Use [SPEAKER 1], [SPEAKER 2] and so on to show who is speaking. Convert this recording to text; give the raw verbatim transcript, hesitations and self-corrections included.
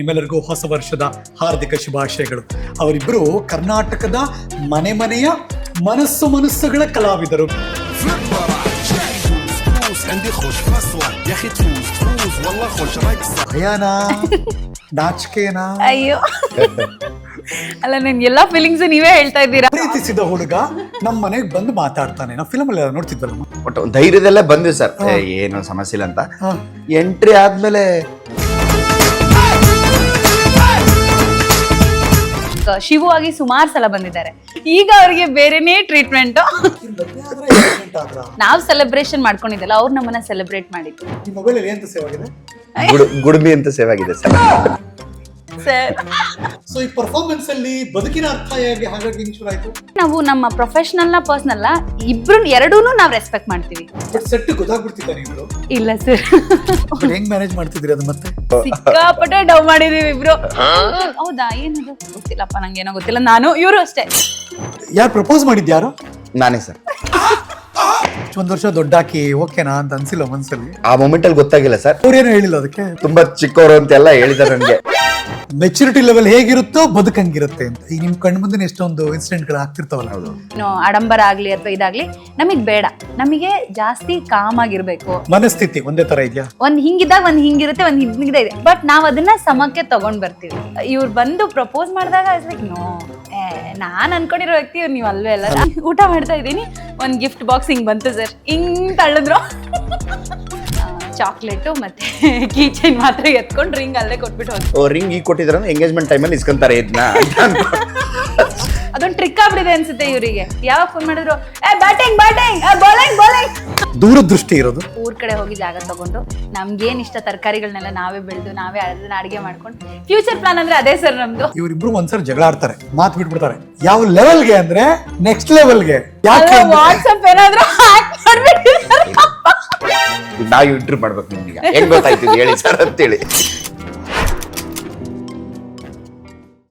[SPEAKER 1] ನಿಮ್ಮೆಲ್ಲರಿಗೂ ಹೊಸ ವರ್ಷದ ಹಾರ್ದಿಕ ಶುಭಾಶಯಗಳು. ಅವರಿಬ್ಬರು ಕರ್ನಾಟಕದ ಮನೆ ಮನೆಯ ಮನಸ್ಸು ಮನಸ್ಸುಗಳ ಕಲಾವಿದರು. ಭಯನಾ ನಾಚಿಕೆನಾ?
[SPEAKER 2] ಅಯ್ಯೋ ಅಲ್ಲ, ನನ್ ಎಲ್ಲಾ ಫೀಲಿಂಗ್ಸ್ ನೀವೇ ಹೇಳ್ತಾ ಇದ್ದೀರಾ.
[SPEAKER 1] ಪ್ರೀತಿಸಿದ ಹುಡುಗ ನಮ್ಮ ಮನೆಗೆ ಬಂದು ಮಾತಾಡ್ತಾನೆ. ನಾವು ಫಿಲಮ್ ಅಲ್ಲಿ ನೋಡ್ತಿದ್ವಲ್ಲ,
[SPEAKER 3] ಒಟ್ಟು ಧೈರ್ಯದಲ್ಲೇ ಬಂದ್ವಿ ಸರ್, ಏನು ಸಮಸ್ಯೆ ಇಲ್ಲ ಅಂತ. ಎಂಟ್ರಿ ಆದ್ಮೇಲೆ
[SPEAKER 2] ಶಿವು ಆಗಿ ಸುಮಾರು ಸಲ ಬಂದಿದ್ದಾರೆ. ಈಗ ಅವ್ರಿಗೆ ಬೇರೆನೇ ಟ್ರೀಟ್ಮೆಂಟ್. ನಾವ್ ಸೆಲೆಬ್ರೇಷನ್ ಮಾಡ್ಕೊಂಡಿದ್ದಲ್ಲ, ಅವ್ರು ನಮ್ಮನ್ನ ಸೆಲೆಬ್ರೇಟ್ ಮಾಡಿದ್ರು.
[SPEAKER 1] ಈ ಮೊಬೈಲ್ ಅಲ್ಲಿ ಎಂತ ಸೇವ್ ಆಗಿದೆ?
[SPEAKER 3] ಗುಡ್- ಗುಡ್ಮಿ ಅಂತ ಸೇವ್ ಆಗಿದೆ ಸರ್.
[SPEAKER 2] ಸರ್,
[SPEAKER 1] ಸೊ ಈ ಪರ್ಫಾರ್ಮೆನ್ಸ್ ಅಲ್ಲಿ ಬದುಕಿನ ಅರ್ಥ ಹೇಗೆ, ಹಾಗಾಗಿ ಹಿಂಗ್ ಶುರು ಆಯ್ತು?
[SPEAKER 2] ನಾವು ನಮ್ಮ ಪ್ರೊಫೆಷನಲ್ ನ ಪರ್ಸನಲ್ ಇಬ್ರು ಎರಡೂನು ನಾವ್ ರೆಸ್ಪೆಕ್ಟ್ ಮಾಡ್ತೀವಿ.
[SPEAKER 1] ಬಟ್ ಸೆಟ್ ಗೊತ್ತಾಗ್ಬಿಡ್ತಿದ್ದ ನೀವು?
[SPEAKER 2] ಇಲ್ಲ ಸರ್,
[SPEAKER 1] ಬಟ್ ಹೆಂಗ್ ಮ್ಯಾನೇಜ್ ಮಾಡ್ತಿದ್ರಿ ಅದು? ಮತ್ತೆ
[SPEAKER 2] ಸಿಕ್ಕಾಪಟ್ಟೆ ಡವ್ ಮಾಡಿದೀವಿ ಇಬ್ರು. ಹೌದಾ, ಏನದು ಗೊತ್ತಿಲ್ಲಪ್ಪ, ನಂಗೇನೋ ಗೊತ್ತಿಲ್ಲ. ನಾನು ಇವರು ಅಷ್ಟೇ.
[SPEAKER 1] ಯಾರು ಪ್ರಪೋಸ್ ಮಾಡಿದ್ಯಾರು?
[SPEAKER 3] ನಾನೇ ಸರ್.
[SPEAKER 1] ಒಂದ್ ವರ್ಷ ದೊಡ್ಡಾಕಿ ಓಕೆನಾ ಅಂತ ಅನ್ಸಿಲ್ಲ ಮನ್ಸಲ್ಲಿ?
[SPEAKER 3] ಆ ಮೊಮೆಂಟ್ ಅಲ್ಲಿ ಗೊತ್ತಾಗಿಲ್ಲ ಸರ್.
[SPEAKER 1] ಅವ್ರೇನು ಹೇಳಿಲ್ಲ ಅದಕ್ಕೆ?
[SPEAKER 3] ತುಂಬಾ ಚಿಕ್ಕವರು ಅಂತೆಲ್ಲ ಹೇಳಿದಾರೆ ನನಗೆ.
[SPEAKER 1] ಮೆಚುರಿಟಿ ಲೆವೆಲ್ ಹೇಗಿರುತ್ತೋ ಬದುಕಂಗಿರುತ್ತೆ ಅಂತ. ಈಗ ನಿಮ್ ಕಣ್ ಮುಂದೆ ಎಷ್ಟೊಂದು ಇನ್ಸಿಡೆಂಟ್ ಗಳು ಆಗ್ತಿರ್ತಾವಲ್ಲ.
[SPEAKER 2] ಏನು ಆಡಂಬರ ಆಗ್ಲಿ ಅಥವಾ ಇದಾಗ್ಲಿ ನಮಗ್ ಬೇಡ. ನಮಗೆ ಜಾಸ್ತಿ ಕಾಮ್ ಆಗಿರ್ಬೇಕು.
[SPEAKER 1] ಮನಸ್ಥಿತಿ ಒಂದೇ ತರ ಇದೆಯಾ?
[SPEAKER 2] ಒಂದ್ ಹಿಂಗಿದಾಗ ಒಂದ್ ಹಿಂಗಿರುತ್ತೆ, ಒಂದ್ ಹಿಂಗಿದೆ ಇದೆ. ಬಟ್ ನಾವ್ ಅದನ್ನ ಸಮಕ್ಕೆ ತಗೊಂಡ್ ಬರ್ತೀವಿ. ಇವ್ರು ಬಂದು ಪ್ರಪೋಸ್ ಮಾಡಿದಾಗ ನೋ, ನಾನ್ ಅನ್ಕೊಂಡಿರೋ ವ್ಯಕ್ತಿ ಇವ್ರು, ನೀವ್ ಅಲ್ವೇ ಅಲ್ಲ. ಊಟ ಮಾಡ್ತಾ ಇದ್ದೀನಿ, ಒಂದ್ ಗಿಫ್ಟ್ ಬಾಕ್ಸ್ ಹಿಂಗ್ ಬಂತು ಸರ್, ಹಿಂಗ್ ತಳ್ಳದ್ರು. ಚಾಕ್ಲೇಟು ಮತ್ತೆ ಕೀ ಚೈನ್ ಮಾತ್ರ ಎತ್ಕೊಂಡು ರಿಂಗ್ ಅಲ್ಲೇ ಕೊಟ್ಬಿಟ್ಟು ಹೋದ್ರು.
[SPEAKER 3] ಓ, ರಿಂಗ್ ಈಗ ಕೊಟ್ಟಿದ್ರ ಎಂಗೇಜ್ಮೆಂಟ್ ಟೈಮಲ್ಲಿ ಇಸ್ಕೊಂತಾರೆ ಇದನ್ನ.
[SPEAKER 2] ಅದೊಂದು ಟ್ರಿಕ್ ಆಗ್ಬಿಟ್ಟಿದೆ ಅನ್ಸುತ್ತೆ ಇವರಿಗೆ. ಯಾವಾಗ ಫೋನ್ ಮಾಡಿದ್ರು, ಏ ಬ್ಯಾಟಿಂಗ್ ಬ್ಯಾಟಿಂಗ್ ಬೌಲಿಂಗ್ ಬೌಲಿಂಗ್.
[SPEAKER 1] ದೂರದೃಷ್ಟಿ ಇರೋದು.
[SPEAKER 2] ಊರ್ ಕಡೆ ಹೋಗಿ ಜಾಗ ತಗೊಂಡು ನಮ್ಗೇನ್ ಇಷ್ಟ ತರಕಾರಿಗಳನ್ನೆಲ್ಲ ನಾವೇ ಬೆಳೆದು ನಾವೇ ಅದನ್ನ ಅಡಿಗೆ ಮಾಡ್ಕೊಂಡು ಫ್ಯೂಚರ್ ಪ್ಲಾನ್ ಅಂದ್ರೆ ಅದೇ ಸರ್ ನಮ್ದು.
[SPEAKER 1] ಇವರಿಬ್ರು ಒಂದ್ಸರಿ ಜಗಳ ಆಡ್ತಾರೆ, ಮಾತು ಬಿಟ್ಬಿಡ್ತಾರೆ. ಯಾವ ಲೆವೆಲ್ಗೆ ಅಂದ್ರೆ ನೆಕ್ಸ್ಟ್ ಲೆವೆಲ್ಗೆ. ಯಾಕೆ
[SPEAKER 2] ವಾಟ್ಸ್ಆಪ್ ಏನಾದ್ರು ಹ್ಯಾಕ್ ಮಾಡ್ಬಿಟ್ಟಿದ್ದಾರೆ.
[SPEAKER 3] ನಾವು ಇಂಟರ್ವ್ಯೂ ಮಾಡ್ಬೇಕು ನಿಮ್ಗೆ. ಹೆಂಗ್ ಗೊತ್ತಾಯ್ತು ಹೇಳಿ ಸರ್ ಅಂತೇಳಿ.